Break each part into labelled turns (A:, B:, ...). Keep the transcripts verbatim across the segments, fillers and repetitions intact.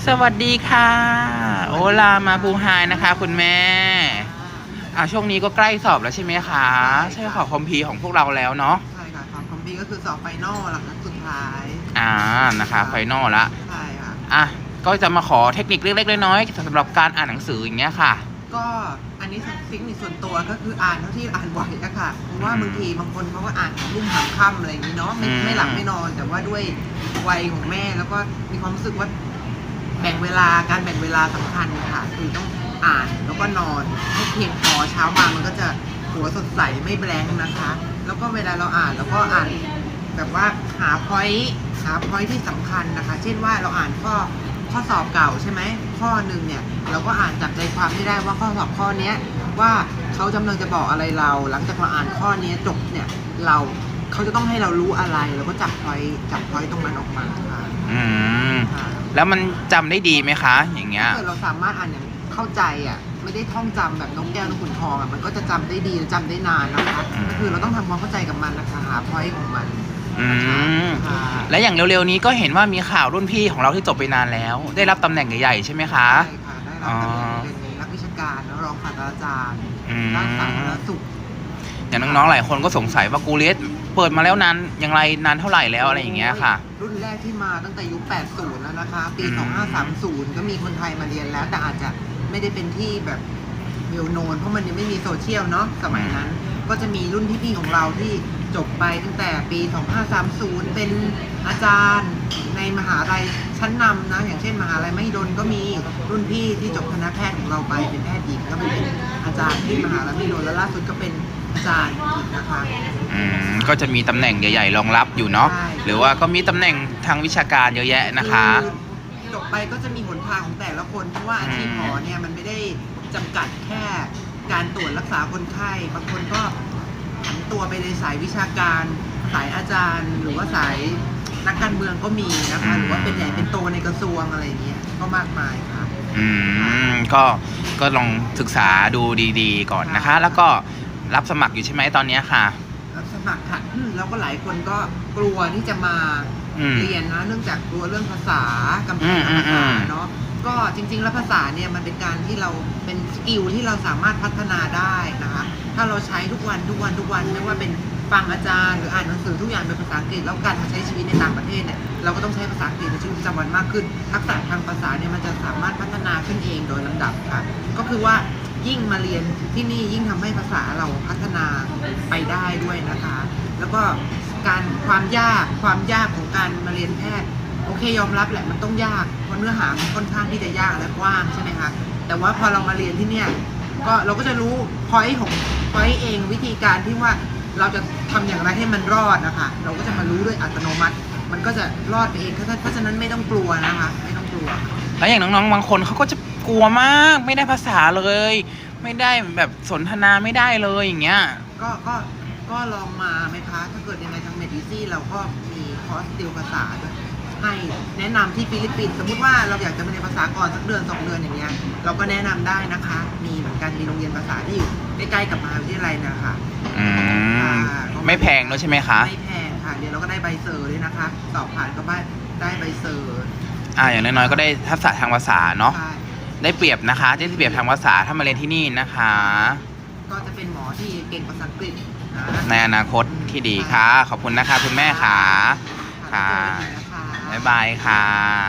A: สวัสดีค่ะโอลามาบูไฮนะคะคุณแม่อ่าช่วงนี้ก็ใกล้สอบแล้วใช่ไหมคะใช่ขอคอมพีของพวกเราแล้วเนาะ
B: ใช่ค่ะของคอมพีก็คือสอบไฟนอลหลังสุดท้าย
A: อ่านะคะไฟนอลละ
B: ใช่ค่ะ
A: อ่ะก็จะมาขอเทคนิคเล็กๆน้อยๆสำหรับการอ่านหนังสืออย่างเงี้ยค่ะ
B: ก็อันนี้เทคนิคส่วนตัวก็คืออ่านเท่าที่อ่านไหวอะค่ะเพราะว่าบางทีบางคนเขาก็อ่านของรุ่มหางค่ำอะไรอย่างนี้เนาะไม่ไม่หลับไม่นอนแต่ว่าด้วยวัยของแม่แล้วก็มีความรู้สึกว่าแบ่งเวลาการแบ่งเวลาสำคัญค่ะคือต้องอ่านแล้วก็นอนให้เพียงพอเช้ามามันก็จะหัวสดใสไม่แบงค์นะคะแล้วก็เวลาเราอ่านแล้วก็อ่านแบบว่าหาพอยต์หาพอยต์ที่สำคัญนะคะเช่นว่าเราอ่านข้อข้อสอบเก่าใช่ไหมข้อหนึ่งเนี่ยเราก็อ่านจับใจความไม่ได้ว่าข้อสอบข้อนี้ว่าเขากำลังจะบอกอะไรเราหลังจากเราอ่านข้อนี้จบเนี่ยเราเขาจะต้องให้เรารู้อะไรเราก็จับพอยต์จับพอยต์ตรงนั้นออกมาค่ะ
A: อืมแล้วมันจำได้ดีไหมคะอย่างเงี้ย
B: ถ้าเกิดเราสามารถอ่านอย่างเข้าใจอ่ะไม่ได้ท่องจำแบบนกแก้วนกขุนทองอ่ะมันก็จะจำได้ดีและจำได้นานนะคะก็คือเราต้องทำความเข้าใจกับมันนะคะหาพอยต์ของมัน
A: อืมและอย่างเร็วๆนี้ก็เห็นว่ามีข่าวรุ่นพี่ของเราที่จบไปนานแล้ว ได้รับตำแหน่งใหญ่ๆใช่ไหมคะ
B: ใช่ค่ะได้รับตำแหน่งเป็นนักวิชาการแล้วรองศาสตราจารย์ด้านสาธารณสุข
A: อย่างน้องๆหลายคนก็สงสัยว่ากูเรสเปิดมาแล้วนานอย่างไรนานเท่าไหร่แล้วอะไรอย่างเงี้ยค่ะ
B: รุ่นแรกที่มาตั้งแต่ยุคแปดสิบแล้วนะคะปีสองพันห้าร้อยสามสิบก็มีคนไทยมาเรียนแล้วแต่อาจจะไม่ได้เป็นที่แบบเวลโนนเพราะมันยังไม่มีโซเชียลเนาะสมัยนั้นก็จะมีรุ่นพี่ๆของเราที่จบไปตั้งแต่ปีสองพันห้าร้อยสามสิบเป็นอาจารย์ในมหาลัยชั้นนำนะอย่างเช่นมหาลัยมหิดลก็มีรุ่นพี่ที่จบคณะแพทย์ของเราไปเป็นแพทย์หญิงก็เป็นอาจารย์ที่มหาลัยมหิดลแล้วล่าสุดก็เป็นอาจารย์อีกนะคะ
A: อืมก็จะมีตำแหน่งใหญ่ๆรองรับอยู่เนาะหรือว่าก็มีตำแหน่งทางวิชาการเยอะแยะนะคะ
B: จบไปก็จะมีหนทางของแต่ละคนเพราะว่าอาชีพหมอเนี่ยมันไม่ได้จำกัดแค่การตรวจรักษาคนไข้บางคนก็ผันตัวไปในสายวิชาการสายอาจารย์ หรือว่าสายนักการเมืองก็มีนะคะหรือว่าเป็นใหญ่เป็นโตในกระทรวงอะไรเงี้ยก็มากมายค่ะ
A: อืมก็ก็ลองศึกษาดูดีๆก่อนนะคะแล้วก็รับสมัครอยู่ใช่ไหมตอนนี้ค่ะ
B: รับสมัครค่ะแล้วก็หลายคนก็กลัวที่จะมาเรียนนะเนื่องจากกลัวเรื่องภาษากำแพงภาษาเนาะก็จริงๆแล้วภาษาเนี่ยมันเป็นการที่เราเป็นสกิลที่เราสามารถพัฒนาได้นะคะถ้าเราใช้ทุกวันทุกวันทุกวันไม่ว่าเป็นฟังอาจารย์หรืออ่านหนังสือทุกอย่างเป็นภาษาอังกฤษแล้วการมาใช้ชีวิตในต่างประเทศเนี่ยเราก็ต้องใช้ภาษาอังกฤษในชีวิตประจำวันมากขึ้นทักษะทางภาษาเนี่ยมันจะสามารถพัฒนาขึ้นเองโดยลำดับค่ะก็คือว่ายิ่งมาเรียนที่นี่ยิ่งทำให้ภาษาเราพัฒนาไปได้ด้วยนะคะแล้วก็การความยากความยากของการมาเรียนแพทย์โอเคยอมรับแหละมันต้องยากเพราะเนื้อหามันค่อนข้างที่จะยากและกว้างใช่ไหมคะแต่ว่าพอเรามาเรียนที่เนี่ยก็เราก็จะรู้พอยต์ของพอยต์เองวิธีการที่ว่าเราจะทำอย่างไรให้มันรอดนะคะเราก็จะมารู้ด้วยอัตโนมัติมันก็จะรอดไปเองเพราะฉะนั้นไม่ต้องกลัวนะคะไม่ต้องกลัว
A: แล้วอย่างน้องๆบางคนเขาก็จะกลัวมากไม่ได้ภาษาเลยไม่ได้แบบสนทนาไม่ได้เลยอย่างเงี้ย
B: ก็ก็ก็ลองมาไหมคะถ้าเกิดยังไงทางเมดิซี่เราก็มีคอร์สติวภาษาด้วยให้แนะนำที่ฟิลิปปินส์สมมุติว่าเราอยากจะมาเรียนภาษาก่อนสักเดือนสองเดือนอย่างเงี้ยเราก็แนะนำได้นะคะมีเหมือนกันมีโรงเรียนภาษาที่อยู่ใกล้ๆกับมหาวิทยาลัยนะคะ
A: อืมไม่แพงด้วยใช่ไหมคะ
B: ไม่แพงค่ะเดี๋ยวเราก็ได้ใบเซอร์ด้วยนะคะสอบผ่านก็ได้ใบเซอร์
A: อ่าอย่างน้อยๆก็ได้ทักษะทางภาษาเนาะได้เปรียบนะคะได้เปรียบทางภาษาถ้ามาเรียนที่นี่นะคะ
B: ก็จะเป็นหมอที่เก่งภาษาอังกฤษ
A: ในอนาคตที่ดีค่ะขอบคุณนะคะคุณแม่ค่ะค่ะบ๊ายบายค่ะ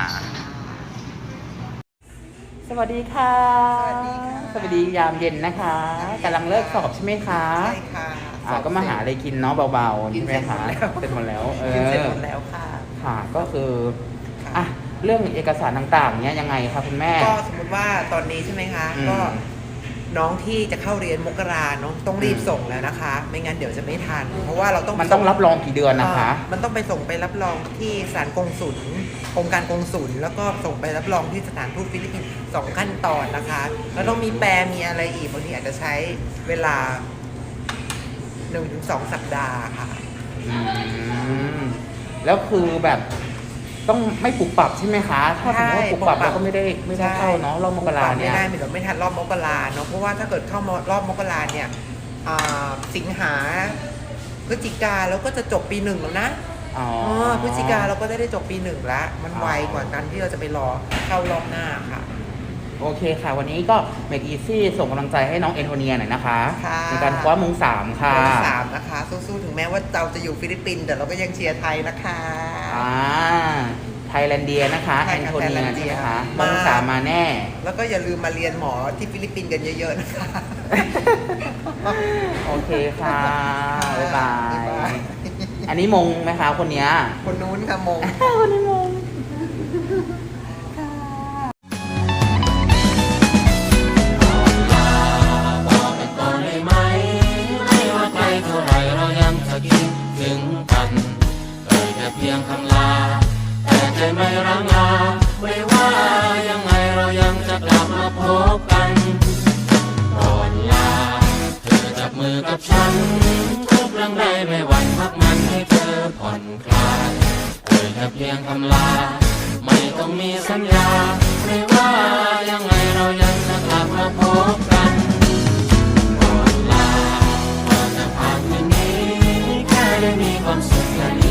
A: สวัสดีค่ะ
B: สวัสดีค่ะ
A: สวัสดียามเย็นนะคะกำลังเลิกสอบใช่ไหมคะ
B: ใช่ค่ะ
A: อ่าก็มาหาอะไรกินเนาะเบาๆใช่ไหมคะเสร็จหมดแล้วเออ
B: เสร็จหมดแล้วค่ะ
A: ค่ะก็คืออ่ะเรื่องเอกสารต่างๆเนี้ยยังไงคะคุณแม่
B: ก็สมมติว่าตอนนี้ใช่ไหมคะก็น้องที่จะเข้าเรียนมกราเนาะต้องรีบส่งแล้วนะคะไม่งั้นเดี๋ยวจะไม่ทันเพราะว่าเราต้อง
A: มันต้องรับรองกี่เดือนนะคะ
B: มันต้องไปส่งไปรับรองที่ศาลกงสุลองค์การกงสุลแล้วก็ส่งไปรับรองที่สถานทูตฟิลิปปินส์สองขั้นตอนนะคะแล้วต้องมีแปลมีอะไรอีกบางทีอาจจะใช้เวลาหนึ่งถึงสองสัปดาห์ค่ะ
A: อืมแล้วคือแบบต้องไม่ปรับปรับใช่ไหมคะถ้าสมมติว่าปรับปรับเราก็ไม่ได้ไม่ได้เข้าเนาะรอบมกราเนี่ย
B: ไม่ได้ไม่ได้ไม่ทันรอบมกราเนาะเพราะว่าถ้าเกิดเข้ารอบมกราเนี่ยสิงหาพฤศจิกาแล้วก็จะจบปีหนึ่งแล้วนะ
A: อ๋อ
B: เออพฤศจิกาเราก็ได้ได้จบปีหนึ่งแล้ว มันไวกว่ากันที่เราจะไปรอเข้ารอบหน้าค่ะ
A: โอเคค่ะ วันนี้ก็ Make Easy ส่งกำลังใจให้น้องเอนโทเนียหน่อยนะคะ
B: ค่ะ
A: ในการคว้ามงสามค่ะ
B: เบอร์สามนะคะ สู้ๆถึงแม้ว่าเราจะอยู่ฟิลิปปินส์แต่เราก็ยังเชียร์ไทยนะคะ
A: อ่าไทยแลนเดียนะคะ
B: ใช่
A: แอน
B: ค่ะ
A: โทเนีย
B: ไทยแลนเดี
A: ใช่
B: ย
A: ไหมคะ
B: มา
A: มงสามมาแน่
B: แล้วก็อย่าลืมมาเรียนหมอที่ฟิลิปปินส์กันเยอะๆนะคะ
A: โอเคค่ะ บ๊ายบา
B: บ๊ายบาย
A: ย อันนี้มงไหมคะคนเนี้ย
B: คนนู้นค่ะมง
A: คนนี้มง
C: บอกกันก่อนได้ไหมไม่ว่าไกลเท่าไรเรายังจะคิดถึงกันเอ่ยแค่เพียงคำลาแต่ใจไม่ร้างลาไม่ว่ายังไงเรายังจะกลับมาพบกันก่อนลาเธอจับมือกับฉันทุกเรื่องใดไม่หวั่นพักมันให้เธอผ่อนคลายเอ่ยแค่เพียงคำลาไม่ต้องมีสัญญาไม่ว่ายังไงเรายังจะกลับมาพบกันก่อนลาก่อนจะผ่านคืนนี้แค่ได้มีความสุขแค่นี้